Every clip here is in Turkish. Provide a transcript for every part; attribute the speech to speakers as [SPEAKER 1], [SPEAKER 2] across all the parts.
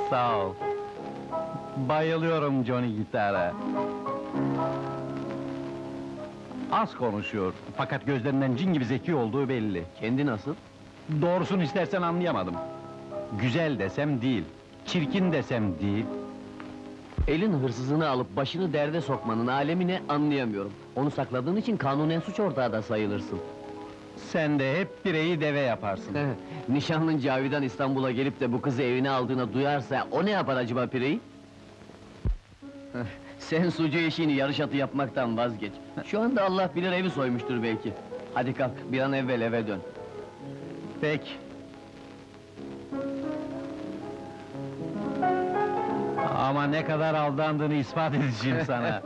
[SPEAKER 1] Sağ ol. Bayılıyorum Johnny gitara. Az konuşuyor, fakat gözlerinden cin gibi zeki olduğu belli.
[SPEAKER 2] Kendi nasıl?
[SPEAKER 1] Doğrusunu istersen anlayamadım. Güzel desem değil, çirkin desem değil.
[SPEAKER 2] Elin hırsızını alıp başını derde sokmanın alemini anlayamıyorum. Onu sakladığın için kanunen suç ortağı da sayılırsın.
[SPEAKER 1] Sen de hep bireyi deve yaparsın.
[SPEAKER 2] Nişanlın Cavidan İstanbul'a gelip de bu kızı evine aldığını duyarsa, o ne yapar acaba pireyi? Sen sucu işini yarış atı yapmaktan vazgeç. Şu anda Allah bilir evi soymuştur belki. Hadi kalk, bir an evvel eve dön.
[SPEAKER 1] Peki. Ama ne kadar aldandığını ispat edeceğim sana.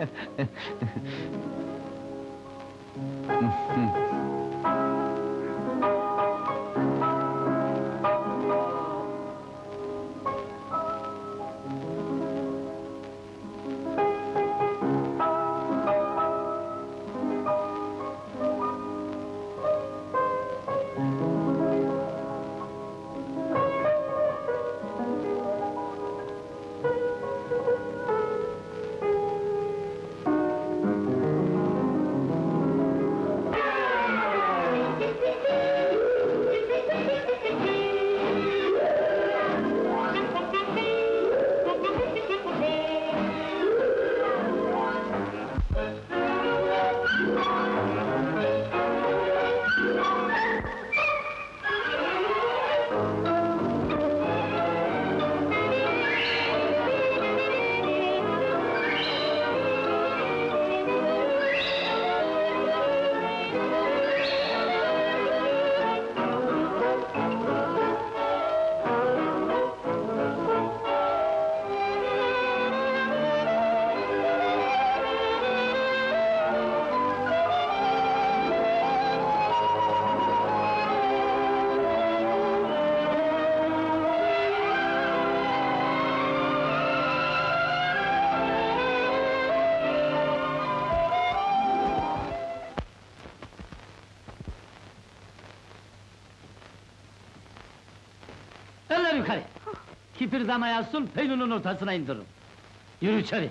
[SPEAKER 3] Eller yukarı! Kıpırdamaya sul, peynunun ortasına indiririm. Yürü içeri!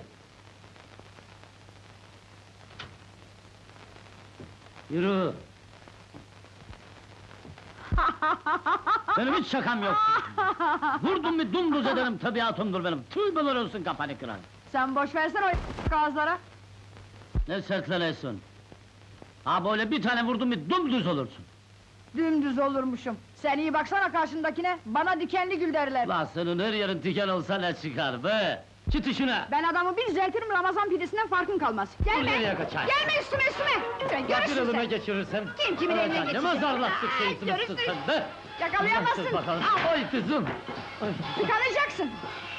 [SPEAKER 3] Yürü! Benim hiç şakam yok! Vurdum mu dumduz ederim, tabiatımdır benim! Tüybeler olsun kafanı kıran!
[SPEAKER 4] Sen boş versene o ağızlara!
[SPEAKER 3] Ne sertlenesin! Ha böyle bir tane vurdum mu dumduz olursun!
[SPEAKER 4] Dümdüz olurmuşum! Sen iyi baksana karşındakine, bana dikenli gül derler!
[SPEAKER 3] La senin her yerin diken olsa ne çıkar be! Çıt işine!
[SPEAKER 4] Ben adamı bir düzeltirim, Ramazan pidesinden farkın kalmaz! Gelme!
[SPEAKER 3] Nereye kaçar?
[SPEAKER 4] Gelme üstüme! Lütfen,
[SPEAKER 3] Ya bir
[SPEAKER 4] görürsün
[SPEAKER 3] elime
[SPEAKER 4] sen!
[SPEAKER 3] geçirirsem?
[SPEAKER 4] Kim kimin eline
[SPEAKER 3] Ne
[SPEAKER 4] geçecek?
[SPEAKER 3] mazarlattık
[SPEAKER 4] Ay,
[SPEAKER 3] şeysiniz
[SPEAKER 4] görürsün.
[SPEAKER 3] sen be!
[SPEAKER 4] Yakalayamazsın!
[SPEAKER 3] Nasıl bakalım?
[SPEAKER 4] Al,
[SPEAKER 3] Oy kızım!
[SPEAKER 4] tıkanacaksın!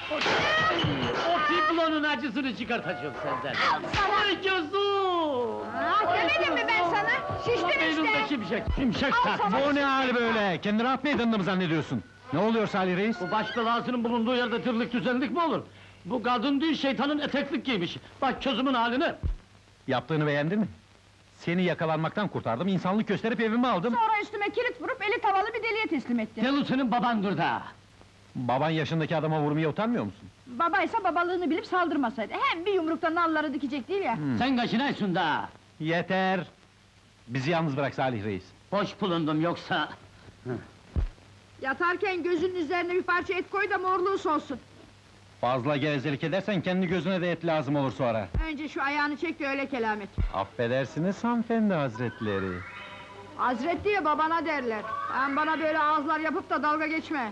[SPEAKER 3] O piblonun acısını çıkartacağım senden!
[SPEAKER 4] Al sana!
[SPEAKER 3] Ay gözüm!
[SPEAKER 4] Demedim mi ben sana? Şiştin
[SPEAKER 3] Beynimde
[SPEAKER 4] işte!
[SPEAKER 3] şimşek, şimşek
[SPEAKER 4] Al
[SPEAKER 3] tak!
[SPEAKER 4] sana!
[SPEAKER 1] Bu ne hal böyle? Kendini rahat meydanında mı zannediyorsun? Ne oluyor Salih Reis?
[SPEAKER 3] Bu baş belasının bulunduğu yerde tırlık düzenlik mi olur? Bu kadın değil, şeytanın eteklik giymiş! Bak közümün haline!
[SPEAKER 1] Yaptığını beğendin mi? Seni yakalanmaktan kurtardım, insanlık gösterip evime aldım.
[SPEAKER 4] Sonra üstüme kilit vurup eli tavalı bir deliye teslim ettin!
[SPEAKER 3] Delu senin babandır da!
[SPEAKER 1] Baban yaşındaki adama vurmaya utanmıyor musun?
[SPEAKER 4] Babaysa babalığını bilip saldırmasaydı, hem bir yumrukta nalları dikecek değil ya!
[SPEAKER 3] Sen kaçınaysın da!
[SPEAKER 1] Yeter! Bizi yalnız bırak Salih Reis.
[SPEAKER 3] Boş bulundum yoksa...
[SPEAKER 4] Yatarken gözünün üzerine bir parça et koy da morluğu solsun!
[SPEAKER 1] Fazla gevezelik edersen kendi gözüne de et lazım olur sonra.
[SPEAKER 4] Önce şu ayağını çek de öyle kelamet!
[SPEAKER 1] Affedersiniz hanımefendi hazretleri.
[SPEAKER 4] Hazret diye babana derler! Sen bana böyle ağızlar yapıp da dalga geçme!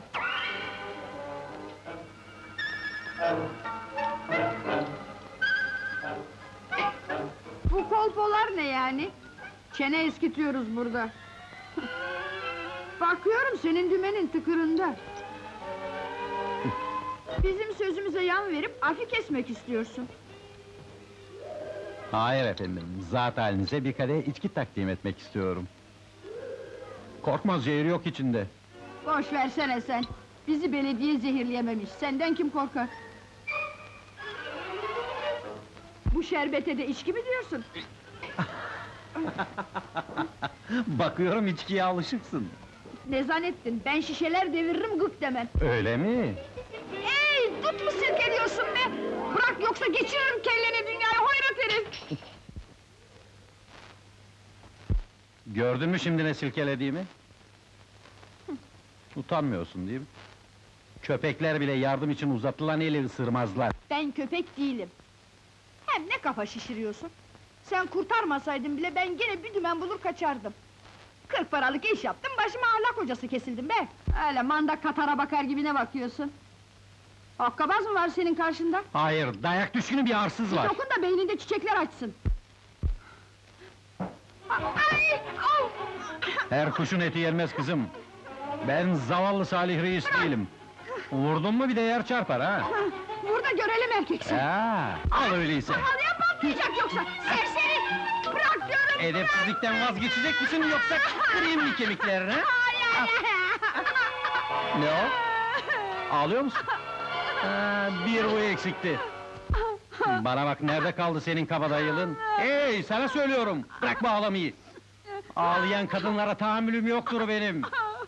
[SPEAKER 4] Bu kolpolar ne yani? Çene eskitiyoruz burada! Bakıyorum senin dümenin tıkırında! Bizim sözümüze yan verip afi kesmek istiyorsun!
[SPEAKER 1] Hayır efendim, zat halinize bir kadeh içki takdim etmek istiyorum. Korkmaz, zehir yok içinde.
[SPEAKER 4] Boş versene sen! Bizi belediye zehirleyememiş, senden kim korkar? Bu şerbete de içki mi diyorsun?
[SPEAKER 1] Bakıyorum içkiye alışıksın.
[SPEAKER 4] Ne zannettin? Ben şişeler deviririm gık demem!
[SPEAKER 1] Öyle mi?
[SPEAKER 4] Yoksa geçiririm kelleni dünyaya, hoyrat herif!
[SPEAKER 1] Gördün mü şimdi ne silkelediğimi? Utanmıyorsun değil mi? Köpekler bile yardım için uzatılan eli ısırmazlar.
[SPEAKER 4] Ben köpek değilim. Hem ne kafa şişiriyorsun? Sen kurtarmasaydın bile ben gene bir dümen bulur kaçardım. 40 paralık iş yaptım, başıma ahlak hocası kesildim be! Öyle manda katara bakar gibi ne bakıyorsun? Hokkabaz mı var senin karşında?
[SPEAKER 1] Hayır, dayak düşkünü bir arsız var.
[SPEAKER 4] Dokun da beyninde çiçekler açsın! Ay! Au!
[SPEAKER 1] Her kuşun eti yenmez kızım. Ben zavallı Salih Reis değilim. Vurdun mu bir de yer çarpar ha?
[SPEAKER 4] Burada görelim erkeksin!
[SPEAKER 1] Al öyleyse.
[SPEAKER 4] Halıya patlayacak yoksa! Serseri! Bırak diyorum!
[SPEAKER 1] Edepsizlikten vazgeçecek misin yoksa kırayım mı kemiklerini?
[SPEAKER 4] Hayır!
[SPEAKER 1] Ne o? Ağlıyor musun? Bir bu eksikti. Bana bak, nerede kaldı senin kabadayılın? Hey, sana söylüyorum, bırak bu ağlamayı! Ağlayan kadınlara tahammülüm yoktur benim!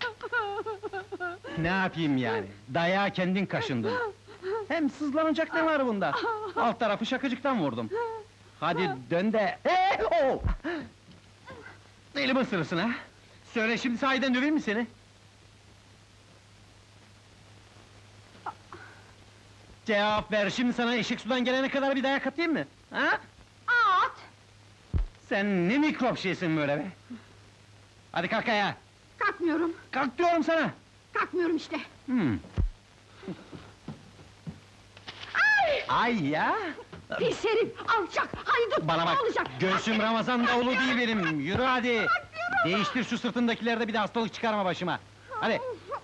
[SPEAKER 1] Ne yapayım yani? Dayağı kendin kaşındın. Hem sızlanacak ne var bunda? Alt tarafı şakacıktan vurdum. Hadi dön de... Elimi ısırırsın ha? Söyle şimdi, sahiden döveyim mi seni? Cevap ver, şimdi sana eşek sudan gelene kadar bir dayak atayım mı? Ha?
[SPEAKER 4] At!
[SPEAKER 1] Sen ne mikrop şeysin böyle be! Hadi kalk ayağa!
[SPEAKER 4] Kalkmıyorum,
[SPEAKER 1] Kalk diyorum sana!
[SPEAKER 4] kalkmıyorum işte!
[SPEAKER 1] Ay ya!
[SPEAKER 4] Pis herif, alçak, haydut!
[SPEAKER 1] Bana bak,
[SPEAKER 4] Olacak!
[SPEAKER 1] göğsüm Ramazan davulu değil benim, yürü hadi! Değiştir şu sırtındakilerde, bir de hastalık çıkarma başıma! Hadi!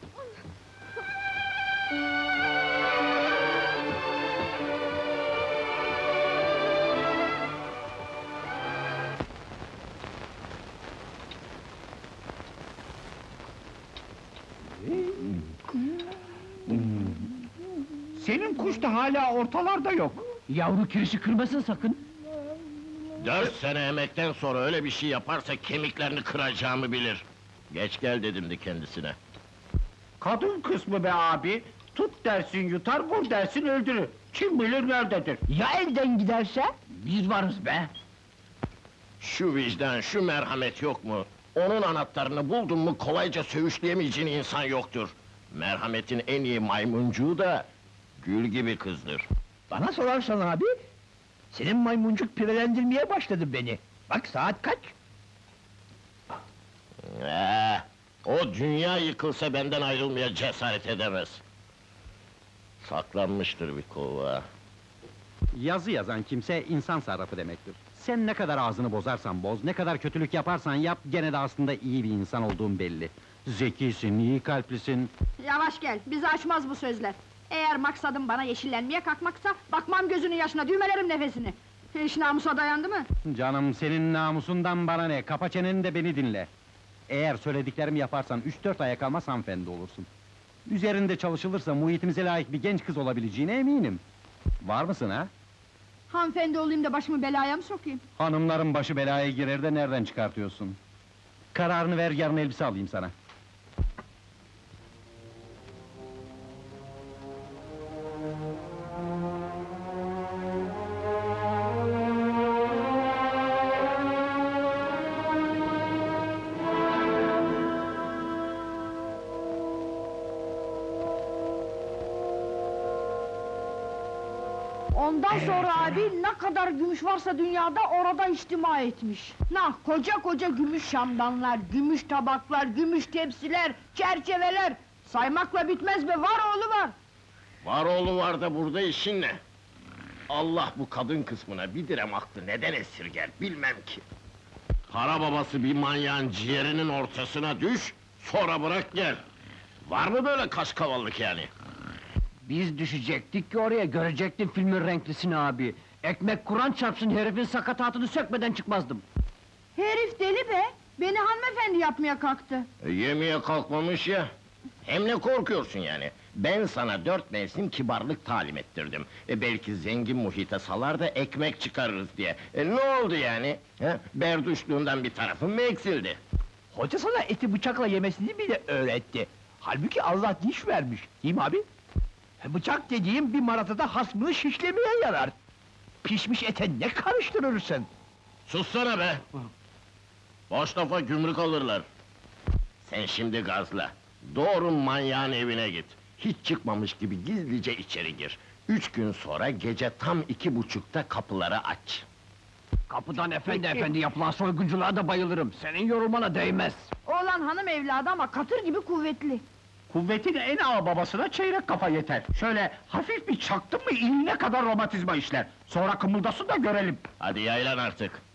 [SPEAKER 5] Senin kuş da hala ortalarda yok.
[SPEAKER 2] Yavru kirişi kırmasın sakın!
[SPEAKER 6] 4 sene emekten sonra öyle bir şey yaparsa kemiklerini kıracağımı bilir. Geç gel dedimdi kendisine.
[SPEAKER 5] Kadın kısmı be abi, tut dersin yutar, vur dersin öldürür. Kim bilir nerededir?
[SPEAKER 2] Ya elden giderse? Biz varız be!
[SPEAKER 6] Şu vicdan, şu merhamet yok mu? Onun anahtarını buldun mu kolayca söğüşleyemeyeceğin insan yoktur. Merhametin en iyi maymuncuğu da gül gibi kızdır.
[SPEAKER 5] Bana sorarsan abi, senin maymuncuk pirelendirmeye başladı beni. Bak saat kaç?
[SPEAKER 6] O dünya yıkılsa benden ayrılmaya cesaret edemez. Saklanmıştır bir kova.
[SPEAKER 1] Yazı yazan kimse insan sarrafı demektir. Sen ne kadar ağzını bozarsan boz, ne kadar kötülük yaparsan yap, gene de aslında iyi bir insan olduğun belli. Zekisin, iyi kalplisin.
[SPEAKER 4] Yavaş gel, bizi açmaz bu sözler! Eğer maksadın bana yeşillenmeye kalkmaksa, bakmam gözünün yaşına, düğmelerim nefesini! İş namusa dayandı mı?
[SPEAKER 1] Canım, senin namusundan bana ne, kapa çeneni de beni dinle! Eğer söylediklerimi yaparsan 3-4 aya kalmaz hanımefendi olursun. Üzerinde çalışılırsa muhitimize layık bir genç kız olabileceğine eminim. Var mısın ha?
[SPEAKER 4] Hanımefendi olayım da başımı belaya mı sokayım?
[SPEAKER 1] Hanımların başı belaya girer de nereden çıkartıyorsun? Kararını ver, yarın elbise alayım sana.
[SPEAKER 4] Ondan sonra abi, ne kadar gümüş varsa dünyada orada içtima etmiş. Koca koca gümüş şamdanlar, gümüş tabaklar, gümüş tepsiler, çerçeveler! Saymakla bitmez be, var oğlu var!
[SPEAKER 6] Var oğlu var da burada işin ne? Allah bu kadın kısmına bir direm aklı neden esirger bilmem ki. Para babası bir manyağın ciğerinin ortasına düş, sonra bırak gel. Var mı böyle kaşkavallık yani?
[SPEAKER 2] Biz düşecektik ki oraya, görecektin filmin renklisini abi! Ekmek Kur'an çarpsın, herifin sakatatını sökmeden çıkmazdım!
[SPEAKER 4] Herif deli be! Beni hanımefendi yapmaya kalktı!
[SPEAKER 6] Yemeye kalkmamış ya! Hem ne korkuyorsun yani? Ben sana 4 mevsim kibarlık talim ettirdim. Belki zengin muhite salar da ekmek çıkarırız diye. Ne oldu yani? Berduşluğundan bir tarafın mı eksildi?
[SPEAKER 5] Hoca sana eti bıçakla yemesini bile öğretti. Halbuki Allah diş vermiş, değil mi abi? Bıçak dediğim bir maratada hasmını şişlemeye yarar. Pişmiş ete ne karıştırırsın?
[SPEAKER 6] Sussana be! Boş lafa gümrük alırlar. Sen şimdi gazla. Doğru manyağın evine git. Hiç çıkmamış gibi gizlice içeri gir. 3 gün sonra gece tam 2.30'da kapıları aç.
[SPEAKER 5] Kapıdan efendi yapılan soygunculuğa da bayılırım. Senin yorulmana değmez.
[SPEAKER 4] Oğlan hanım evladı ama katır gibi kuvvetli.
[SPEAKER 5] Kuvvetin en ağa babasına çeyrek kafa yeter. Şöyle hafif bir çaktın mı iğne kadar romatizma işler. Sonra kımıldasın da görelim.
[SPEAKER 6] Hadi yaylan artık.